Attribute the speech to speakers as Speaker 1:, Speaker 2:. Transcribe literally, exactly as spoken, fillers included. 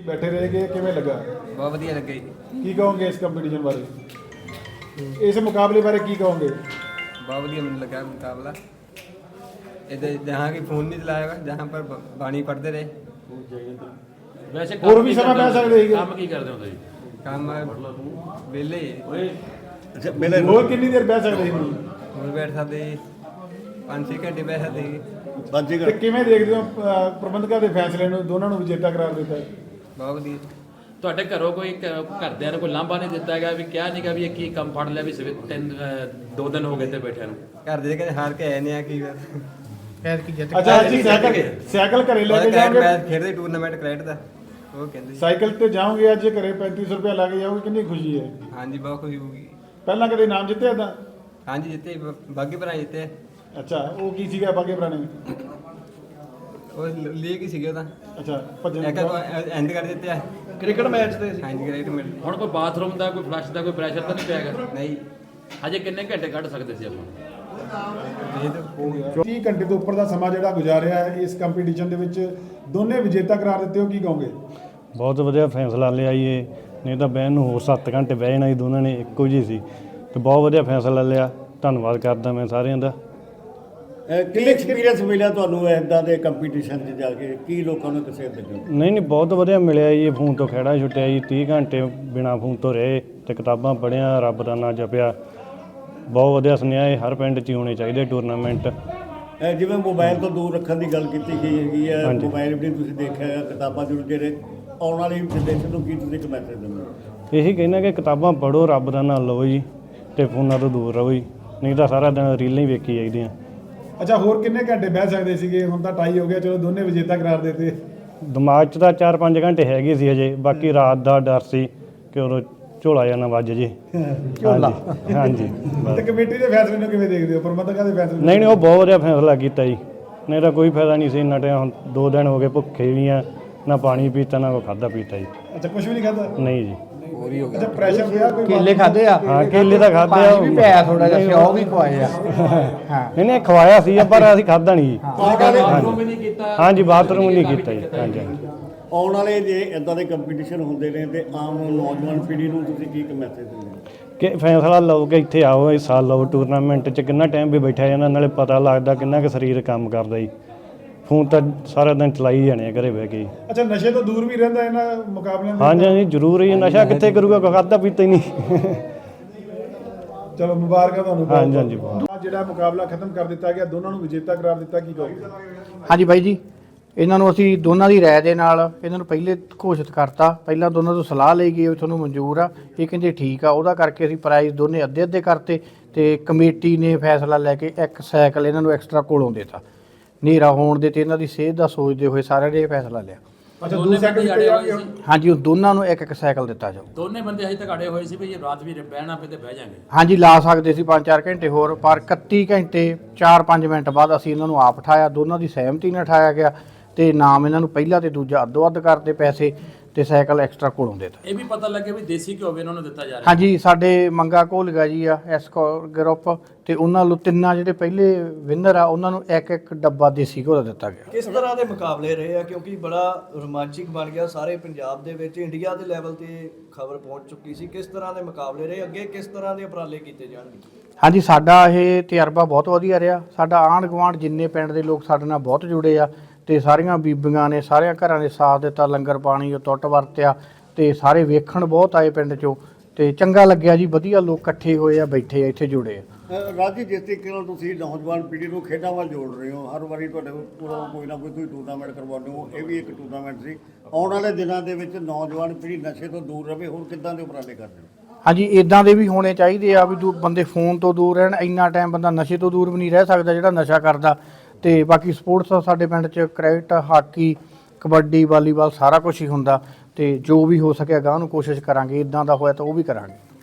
Speaker 1: बैठे रहेंगे किवें लगा?
Speaker 2: बहुत वधिया लगे।
Speaker 1: की कहोगे इस कंपटीशन बारे, इस मुकाबले बारे की कहोगे?
Speaker 2: बहुत वधिया मैंने लगा मुकाबला। इधर जहाँ की फोन नहीं चलाया हुआ, जहाँ पर बाणी पढ़ते रहे।
Speaker 3: वैसे
Speaker 1: और भी समय पै सकते हैं
Speaker 3: काम की करते हो ਤੁਸੀਂ?
Speaker 2: काम वेले
Speaker 1: अच्छा मेले ਹੋਰ ਕਿੰਨੀ ਦੇਰ ਬਹਿ ਸਕਦੇ ਸੀ?
Speaker 2: ਹੋਰ ਬੈਠ ਸਕਦੇ पाँच छः घंटे बह सकते
Speaker 1: ਬਾਜੀ ਤੇ ਕਿਵੇਂ ਦੇਖਦੇ ਹੋ ਅਹ, ਪ੍ਰਬੰਧਕਾਂ ਦੇ ਫੈਸਲੇ ਨੂੰ, ਦੋਨਾਂ ਨੂੰ ਵਿਜੇਤਾ ਕਰਾਰ ਦਿੱਤਾ ਹੈ?
Speaker 2: बहुत वधिया।
Speaker 3: ਤੁਹਾਡੇ ਘਰੋਂ ਕੋਈ ਕ- ਘਰਦਿਆਂ ਨੇ ਕੋਈ ਲਾਂਭਾ ਨਹੀਂ ਦਿੱਤਾ ਹੈਗਾ ਵੀ ਕਿਹਾ ਨਹੀਂਗਾ ਵੀ ਇਹ ਕੀ ਕੰਮ ਫੜ ਲਿਆ ਵੀ ਸਵੇ ਤਿੰਨ ਅਹ, ਦੋ ਦਿਨ ਹੋ ਗਏ ਤੇ ਬੈਠਿਆਂ ਨੂੰ?
Speaker 2: घर दे कहते हार के आए नहीं आ की
Speaker 1: ਅੱਛਾ ਜੀ ਸਾਈਕਲ ਸਾਈਕਲ ਘਰੇ ਲੈ ਕੇ ਜਾਓਗੇ?
Speaker 2: मैच खेलते टूर्नामेंट क्रिकेट का वो कहते
Speaker 1: ਸਾਈਕਲ ਤੇ ਜਾਓਗੇ ਅੱਜ ਘਰੇ पैंतीस सौ रुपया ला के जाओगे, कितनी खुशी है?
Speaker 2: हाँ जी बहुत खुशी होगी।
Speaker 1: ਪਹਿਲਾਂ ਕਦੇ ਨਾਮ ਜਿੱਤਿਆ ਤਾਂ?
Speaker 2: हाँ जी जीते बागी भरा जीते।
Speaker 1: ਅੱਛਾ ਉਹ ਕੀ ਸੀਗਾ ਬਾਗੇ ਪੁਰਾਣੇ?
Speaker 2: वो लीग ही सीगे था।
Speaker 1: ਅੱਛਾ ਭੱਜਣ
Speaker 2: एक एंड कर देते हैं
Speaker 4: ਕ੍ਰਿਕਟ ਮੈਚ ਤੇ
Speaker 2: हाँ जी क्रिकेट में
Speaker 3: ਹੁਣ ਕੋਈ ਬਾਥਰੂਮ ਦਾ ਕੋਈ ਫਲਸ਼ ਦਾ ਕੋਈ ਪ੍ਰੈਸ਼ਰ ਤਾਂ ਨਹੀਂ ਪਿਆ ਹੈਗਾ?
Speaker 2: नहीं
Speaker 3: ਹਜੇ ਕਿੰਨੇ ਘੰਟੇ ਕੱਢ ਸਕਦੇ ਸੀ ਆਪਾਂ?
Speaker 2: ये तो
Speaker 1: ਤੀਹ ਘੰਟੇ ਤੋਂ ਉੱਪਰ ਦਾ ਸਮਾਂ ਜਿਹੜਾ ਗੁਜ਼ਾਰਿਆ ਹੈ ਇਸ ਕੰਪੀਟੀਸ਼ਨ ਦੇ ਵਿੱਚ, ਦੋਨੇ ਵਿਜੇਤਾ ਕਰਾਰ ਦਿੱਤੇ ਹੋ, ਕੀ ਕਹੋਗੇ?
Speaker 5: ਬਹੁਤ ਵਧੀਆ ਫੈਸਲਾ ਲਿਆ ਜੀ ਇਹ, ਨਹੀਂ ਤਾਂ ਬਹਿਣ ਨੂੰ ਹੋਰ ਸੱਤ ਘੰਟੇ ਬਹਿ ਜਾਣਾ ਸੀ, ਦੋਨਾਂ ਨੇ ਇੱਕੋ ਜਿਹੀ ਸੀ ਤੇ ਬਹੁਤ ਵਧੀਆ ਫੈਸਲਾ ਲਿਆ। ਧੰਨਵਾਦ ਕਰਦਾ ਮੈਂ ਸਾਰਿਆਂ ਦਾ।
Speaker 4: ਕੀ ਐਕਸਪੀਰੀਅੰਸ ਮਿਲਿਆ ਤੁਹਾਨੂੰ ਇੱਦਾਂ ਦੇ ਕੰਪੀਟੀਸ਼ਨ 'ਚ ਜਾ ਕੇ? ਕੀ ਲੋਕਾਂ ਨੂੰ ਕਿਸੇ ਲੱਗੇ?
Speaker 5: ਨਹੀਂ ਨਹੀਂ ਬਹੁਤ ਵਧੀਆ ਮਿਲਿਆ ਜੀ। ਫੋਨ ਤੋਂ ਖਹਿੜਾ ਛੁੱਟਿਆ ਜੀ, ਤੀਹ ਘੰਟੇ ਬਿਨਾਂ ਫੋਨ ਤੋਂ ਰਹੇ ਤੇ ਕਿਤਾਬਾਂ ਪੜ੍ਹੀਆਂ, ਰੱਬ ਦਾ ਨਾਂ ਜਪਿਆ। ਬਹੁਤ ਵਧੀਆ ਸੁਨੇਹਾ ਇਹ ਹਰ ਪਿੰਡ 'ਚ ਹੀ ਹੋਣੇ ਚਾਹੀਦੇ ਟੂਰਨਾਮੈਂਟ।
Speaker 4: ਇਹ ਜਿਵੇਂ ਮੋਬਾਈਲ ਤੋਂ ਦੂਰ ਰੱਖਣ ਦੀ ਗੱਲ ਕੀਤੀ ਗਈ ਹੈਗੀ ਹੈ,
Speaker 5: ਹਾਂਜੀ।
Speaker 4: ਮੋਬਾਈਲ ਵੀ ਤੁਸੀਂ ਦੇਖਿਆ ਹੈ, ਕਿਤਾਬਾਂ ਜ਼ਰੂਰ ਜਿਹੜੇ ਆਉਣ ਵਾਲੀ ਜਨਰੇਸ਼ਨ ਨੂੰ ਕੀ ਤੁਸੀਂ ਇੱਕ ਮੈਸੇਜ ਦਿੰਦੇ ਹੋ?
Speaker 5: ਇਹੀ ਕਹਿੰਦਾ ਕਿ ਕਿਤਾਬਾਂ ਪੜ੍ਹੋ, ਰੱਬ ਦਾ ਨਾਂ ਲਓ ਜੀ ਤੇ ਫੋਨਾਂ ਤੋਂ ਦੂਰ ਰਹੋ ਜੀ, ਨਹੀਂ ਤਾਂ ਸਾਰਾ ਦਿਨ ਰੀਲਾਂ ਹੀ ਵੇਖੀ ਜਾਈਦੀਆਂ।
Speaker 1: ਅੱਛਾ ਹੋਰ ਕਿੰਨੇ ਘੰਟੇ ਬਹਿ ਸਕਦੇ ਸੀਗੇ? ਹੁਣ ਤਾਂ ਟਾਈ ਹੋ ਗਿਆ, ਚਲੋ ਦੋਨੇ ਵਿਜੇਤਾ ਕਰਾਰ ਦਿੱਤੇ।
Speaker 5: ਦਿਮਾਗ 'ਚ ਤਾਂ ਚਾਰ ਪੰਜ ਘੰਟੇ ਹੈਗੇ ਸੀ ਹਜੇ, ਬਾਕੀ ਰਾਤ ਦਾ ਡਰ ਸੀ ਕਿ ਉਦੋਂ ਝੋਲਾ ਜਾਂ ਨਾ ਵੱਜ ਜੇ। ਝੋਲਾ ਹਾਂਜੀ ਬਸ।
Speaker 1: ਤੇ ਕਮੇਟੀ ਦੇ ਫੈਸਲੇ ਨੂੰ ਕਿਵੇਂ ਦੇਖਦੇ ਹੋ, ਪ੍ਰਬੰਧਕਾਂ ਦੇ ਫੈਸਲੇ ਨੂੰ?
Speaker 5: ਨਹੀਂ ਨਹੀਂ ਉਹ ਬਹੁਤ ਵਧੀਆ ਫੈਸਲਾ ਕੀਤਾ ਜੀ, ਨਹੀਂ ਤਾਂ ਕੋਈ ਫਾਇਦਾ ਨਹੀਂ ਸੀ ਇੰਨਾ ਟਾਈਮ। ਹੁਣ ਦੋ ਦਿਨ ਹੋ ਗਏ ਭੁੱਖੇ ਵੀ ਆ, ਨਾ ਪਾਣੀ ਪੀਤਾ ਨਾ ਕੋਈ ਖਾਧਾ ਪੀਤਾ ਜੀ।
Speaker 1: ਅੱਛਾ ਕੁਝ ਵੀ ਨਹੀਂ ਖਾਧਾ?
Speaker 5: ਨਹੀਂ ਜੀ।
Speaker 1: ਅੱਛਾ ਪ੍ਰੈਸ਼ਰ ਪਿਆ ਕੋਈ?
Speaker 6: ਕੇਲੇ ਖਾਦੇ ਆ?
Speaker 5: ਹਾਂ ਕੇਲੇ ਤਾਂ ਖਾਧੇ ਆ,
Speaker 6: ਪਾਣੀ ਵੀ ਪਿਆ ਥੋੜਾ ਜਿਹਾ, ਸਿਓ ਵੀ ਖਵਾਏ ਆ। ਹਾਂ
Speaker 5: ਨਹੀਂ ਨਹੀਂ ਖਵਾਇਆ ਸੀ ਪਰ ਅਸੀਂ ਖਾਧਾ ਨਹੀਂ ਜੀ।
Speaker 3: ਬਾਥਰੂਮ ਵੀ ਨਹੀਂ ਕੀਤਾ?
Speaker 5: ਹਾਂਜੀ ਬਾਥਰੂਮ ਨਹੀਂ ਕੀਤਾ ਜੀ। ਹਾਂਜੀ ਹਾਂਜੀ
Speaker 4: ਆਉਣ ਵਾਲੇ ਜੇ ਇੱਦਾਂ ਦੇ ਕੰਪੀਟੀਸ਼ਨ ਹੁੰਦੇ ਨੇ ਤੇ ਆਮ ਨੌਜਵਾਨ ਪੀੜ੍ਹੀ ਨੂੰ ਤੁਸੀਂ ਕੀ ਇੱਕ ਮੈਸੇਜ ਦਿੰਦੇ ਹੋ?
Speaker 5: ਕਿ ਫੈਸਲਾ ਲਓ ਕਿ ਇੱਥੇ ਆਓ, ਇਸ ਸਾਲ ਲਓ ਟੂਰਨਾਮੈਂਟ 'ਚ। ਕਿੰਨਾ ਟਾਈਮ ਵੀ ਬੈਠਾ ਜਾਂਦਾ, ਨਾਲੇ ਪਤਾ ਲੱਗਦਾ ਕਿੰਨਾ ਕੁ ਸਰੀਰ ਕੰਮ ਕਰਦਾ ਜੀ। ਫੋਨ ਤਾਂ ਸਾਰਾ ਦਿਨ ਚਲਾਈ ਜਾਣੇ ਆ ਘਰੇ ਬਹਿ ਕੇ।
Speaker 1: ਅੱਛਾ ਨਸ਼ੇ ਤੋਂ ਦੂਰ ਵੀ ਰਹਿੰਦਾ ਇਹਨਾਂ ਮੁਕਾਬਲਿਆਂ ਦੇ?
Speaker 5: ਹਾਂਜੀ ਹਾਂਜੀ ਜ਼ਰੂਰ ਹੀ। ਨਸ਼ਾ ਕਿੱਥੇ ਕਰੂਗਾ, ਕੋਈ ਖਾਧਾ ਪੀਤਾ ਹੀ ਨਹੀਂ।
Speaker 1: ਚਲੋ ਮੁਬਾਰਕਾਂ ਤੁਹਾਨੂੰ।
Speaker 5: ਹਾਂਜੀ ਹਾਂਜੀ ਬਹੁਤ।
Speaker 1: ਆਹ ਜਿਹੜਾ ਮੁਕਾਬਲਾ ਖਤਮ ਕਰ ਦਿੱਤਾ ਗਿਆ, ਦੋਨਾਂ ਨੂੰ ਵਿਜੇਤਾ ਕਰਾਰ ਦਿੱਤਾ, ਕੀ ਕਹੋਗੇ?
Speaker 6: ਹਾਂਜੀ ਬਾਈ ਜੀ, ਇਹਨਾਂ ਨੂੰ ਅਸੀਂ ਦੋਨਾਂ ਦੀ ਰਾਏ ਦੇ ਨਾਲ ਇਹਨਾਂ ਨੂੰ ਪਹਿਲੇ ਘੋਸ਼ਿਤ ਕਰਤਾ। ਪਹਿਲਾਂ ਦੋਨਾਂ ਤੋਂ ਸਲਾਹ ਲਈ ਗਈ ਵੀ ਤੁਹਾਨੂੰ ਮਨਜ਼ੂਰ ਆ, ਇਹ ਕਹਿੰਦੇ ਠੀਕ ਆ। ਉਹਦਾ ਕਰਕੇ ਅਸੀਂ ਪ੍ਰਾਈਜ਼ ਦੋਨੇ ਅੱਧੇ ਅੱਧੇ ਕਰਤੇ ਤੇ ਕਮੇਟੀ ਨੇ ਫੈਸਲਾ ਲੈ ਕੇ ਇੱਕ ਸਾਈਕਲ ਇਹਨਾਂ ਨੂੰ ਐਕਸਟਰਾ ਕੋਲੋਂ ਦੇਤਾ। ਹਨੇਰਾ ਹੋਣ ਦੇ ਤੇ ਇਹਨਾਂ ਦੀ ਸਿਹਤ ਦਾ ਸੋਚਦੇ ਹੋਏ ਸਾਰਿਆਂ ਨੇ ਇਹ ਫੈਸਲਾ ਲਿਆ।
Speaker 1: ਅੱਛਾ ਦੋ ਸੈਕਿੰਡ
Speaker 3: ਅੜੇ ਹੋਏ ਸੀ?
Speaker 6: ਹਾਂਜੀ ਉਹ ਦੋਨਾਂ ਨੂੰ ਇੱਕ ਇੱਕ ਸਾਈਕਲ ਦਿੱਤਾ ਜਾਊ।
Speaker 3: ਦੋਨੇ ਬੰਦੇ ਹਜੇ ਤੱਕ ਅੜੇ ਹੋਏ ਸੀ ਵੀ ਜੇ ਰਾਤ ਵੀ ਬਹਿਣਾ ਪਏ ਤੇ ਬਹਿ ਜਾਾਂਗੇ।
Speaker 6: ਹਾਂਜੀ ਲਾ ਸਕਦੇ ਸੀ ਪੰਜ ਚਾਰ ਘੰਟੇ ਹੋਰ, ਪਰ ਇਕੱਤੀ ਘੰਟੇ ਚਾਰ ਪੰਜ ਮਿੰਟ ਬਾਅਦ ਅਸੀਂ ਇਹਨਾਂ ਨੂੰ ਆਪ ਉਠਾਇਆ। ਦੋਨਾਂ ਦੀ ਸਹਿਮਤੀ ਨਾਲ ਉਠਾਇਆ ਗਿਆ ਤੇ ਨਾਮ ਇਹਨਾਂ ਨੂੰ ਪਹਿਲਾ ਤੇ ਦੂਜਾ ਅੱਧੋ ਅੱਧ ਕਰਦੇ ਪੈਸੇ ਤੇ ਸਾਈਕਲ ਐਕਸਟਰਾ ਕੋਲੋਂ ਦੇਤਾ।
Speaker 3: ਇਹ ਵੀ ਪਤਾ ਲੱਗੇ ਵੀ ਦੇਸੀ ਘਿਓ ਵੀ ਇਹਨਾਂ ਨੂੰ ਦਿੱਤਾ ਜਾ ਰਿਹਾ?
Speaker 6: ਹਾਂਜੀ ਸਾਡੇ ਮੰਗਾ ਘੋਲਗਾ ਜੀ ਆ ਐਸ ਗਰੁੱਪ ਤੇ ਉਹਨਾਂ ਨੂੰ ਤਿੰਨਾਂ ਜਿਹੜੇ ਪਹਿਲੇ ਵਿਨਰ ਆ ਉਹਨਾਂ ਨੂੰ ਇੱਕ ਇੱਕ ਡੱਬਾ ਦੇਸੀ ਘਿਓ ਦਾ ਦਿੱਤਾ ਗਿਆ।
Speaker 7: ਕਿਸ ਤਰ੍ਹਾਂ ਦੇ ਮੁਕਾਬਲੇ ਰਹੇ ਆ, ਕਿਉਂਕਿ ਬੜਾ ਰੋਮਾਂਚਿਕ ਬਣ ਗਿਆ ਸਾਰੇ ਪੰਜਾਬ ਦੇ ਵਿੱਚ, ਇੰਡੀਆ ਦੇ ਲੈਵਲ ਤੇ ਖਬਰ ਪਹੁੰਚ ਚੁੱਕੀ ਸੀ। ਕਿਸ ਤਰ੍ਹਾਂ ਦੇ ਮੁਕਾਬਲੇ ਰਹੇ, ਅੱਗੇ ਕਿਸ ਤਰ੍ਹਾਂ ਦੇ ਉਪਰਾਲੇ ਕੀਤੇ ਜਾਣਗੇ?
Speaker 6: ਹਾਂਜੀ ਸਾਡਾ ਇਹ ਤਜਰਬਾ ਬਹੁਤ ਵਧੀਆ ਰਿਹਾ। ਸਾਡਾ ਆਂਢ ਗੁਆਂਢ ਜਿੰਨੇ ਪਿੰਡ ਦੇ ਲੋਕ ਸਾਡੇ ਨਾਲ ਬਹੁਤ ਜੁੜੇ ਆ ਤੇ ਸਾਰੀਆਂ ਬੀਬੀਆਂ ਨੇ ਸਾਰਿਆਂ ਘਰਾਂ ਦੇ ਸਾਥ ਦਿੱਤਾ, ਲੰਗਰ ਪਾਣੀ ਉਹ ਟੁੱਟ ਵਰਤਿਆ ਤੇ ਸਾਰੇ ਵੇਖਣ ਬਹੁਤ ਆਏ ਪਿੰਡ 'ਚੋਂ ਤੇ ਚੰਗਾ ਲੱਗਿਆ ਜੀ। ਵਧੀਆ ਲੋਕ ਇਕੱਠੇ ਹੋਏ ਆ, ਬੈਠੇ ਆ ਇੱਥੇ, ਜੁੜੇ ਆ।
Speaker 4: ਰਾਜੀ ਜਿਸ ਤਰੀਕੇ ਨਾਲ ਤੁਸੀਂ ਨੌਜਵਾਨ ਪੀੜ੍ਹੀ ਨੂੰ ਖੇਡਾਂ ਵੱਲ ਜੋੜ ਰਹੇ ਹੋ, ਹਰ ਵਾਰੀ ਤੁਹਾਡੇ ਕੋਲ ਕੋਈ ਨਾ ਕੋਈ ਤੁਸੀਂ ਟੂਰਨਾਮੈਂਟ ਕਰਵਾਉਂਦੇ ਹੋ, ਇਹ ਵੀ ਇੱਕ ਟੂਰਨਾਮੈਂਟ ਸੀ। ਆਉਣ ਵਾਲੇ ਦਿਨਾਂ ਦੇ ਵਿੱਚ ਨੌਜਵਾਨ ਪੀੜ੍ਹੀ ਨਸ਼ੇ ਤੋਂ ਦੂਰ ਰਹੇ, ਹੋਰ ਕਿੱਦਾਂ ਦੇ ਉਪਰਾਲੇ ਕਰਦੇ ਹੋ?
Speaker 6: ਹਾਂਜੀ ਇਦਾਂ ਦੇ ਵੀ ਹੋਣੇ ਚਾਹੀਦੇ ਆ ਵੀ ਦੂ ਬੰਦੇ ਫੋਨ ਤੋਂ ਦੂਰ ਰਹਿਣ। ਇੰਨਾ ਟਾਈਮ ਬੰਦਾ ਨਸ਼ੇ ਤੋਂ ਦੂਰ ਵੀ ਨਹੀਂ ਰਹਿ ਸਕਦਾ ਜਿਹੜਾ ਨਸ਼ਾ ਕਰਦਾ। ਤੇ ਬਾਕੀ ਸਪੋਰਟਸ ਸਾਡੇ ਪਿੰਡ 'ਚ ਕ੍ਰਿਕਟ, ਹਾਕੀ, ਕਬੱਡੀ, ਵਾਲੀਬਾਲ ਸਾਰਾ ਕੁਝ ਹੀ ਹੁੰਦਾ ਤੇ ਜੋ ਵੀ ਹੋ ਸਕਿਆ ਗਾਂ ਨੂੰ ਕੋਸ਼ਿਸ਼ ਕਰਾਂਗੇ। ਇਦਾਂ ਦਾ ਹੋਇਆ ਤਾਂ ਉਹ ਵੀ ਕਰਾਂਗੇ।